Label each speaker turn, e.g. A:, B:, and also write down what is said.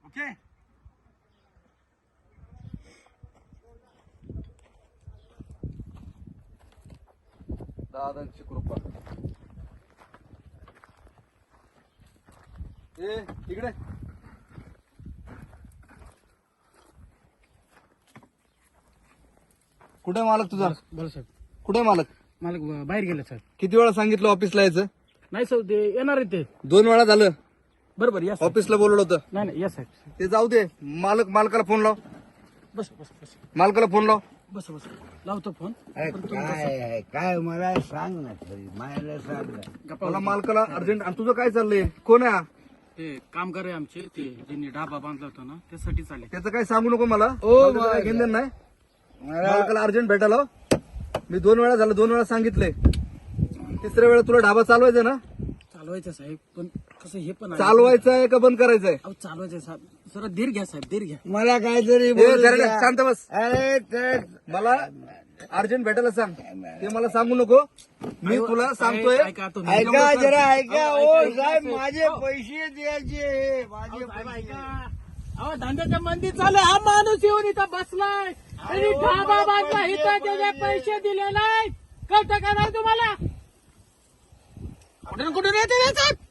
A: Okay.
B: दादांची कृपा. ए इकडे. कुठे मालक तुझा?
A: बोला साहेब.
B: कुठे मालक?
A: मालक बाहेर गेले साहेब.
B: किती वेळा सांगितलं ऑफिसला यायचं?
A: नाही साहेब ते येणार आहे ते.
B: 2 वेळा झालं.
A: बरोबर या साहेब.
B: ऑफिसला बोलवलं होतं.
A: नाही या साहेब.
B: ते जाऊ दे. मालकाला फोन लाव.
A: बस बस बस
B: मालकाला फोन लाव.
A: बस बस लावतो फोन.
C: काय काय मला सांग ना तरी मला सांग ना.
B: मला मालकाला अर्जंट. आणि तुझं काय चाललंय? कोण आहे हा?
A: ते कामगार आहे आमचे, ते ज्यांनी डाबा बांधला होता ना त्यासाठी चालले.
B: त्याचं काय सांगू नको मला.
C: ओ,
B: मला काय घेणं देणं नाही.
C: मला
B: मालकाला अर्जंट भेटायला लाव. मी 2 वेळा झालं, 2 वेळा सांगितलंय. 3ऱ्या वेळा तुला ढाबा चालवायचा ना?
A: चालवायचं साहेब, पण कसं हे पण आहे.
B: चालवायचं आहे का बंद करायचंय?
A: अहो चालवायचं साहेब. जरा धीर घ्या साहेब, धीर घ्या.
C: मला काहीतरी
B: ए,
C: बोलू
B: जरा
C: द्या.
B: शांत बस.
C: अरे तर
B: मला अर्जंट भेटायला सांग. ते मला सांगू नको. मी तुला सांगतोय.
A: ऐका तुम्ही.
C: ऐका जरा ऐका.
A: अहो,
C: ओ
A: ऐका,
C: साहेब
A: ऐका.
C: माझे पैसे द्यायचे. माझे
A: साहेब
C: पैसे.
A: ऐका. अहो धंद्याच्या मंदी चालू आहे. हा माणूस येऊन इथं बसलाय. त्यांनी ढाबा बांधला इथं, त्याचे पैसे दिले नाही. कळतं का नाही तुम्हाला? कुठून कुठून येते रे साहेब?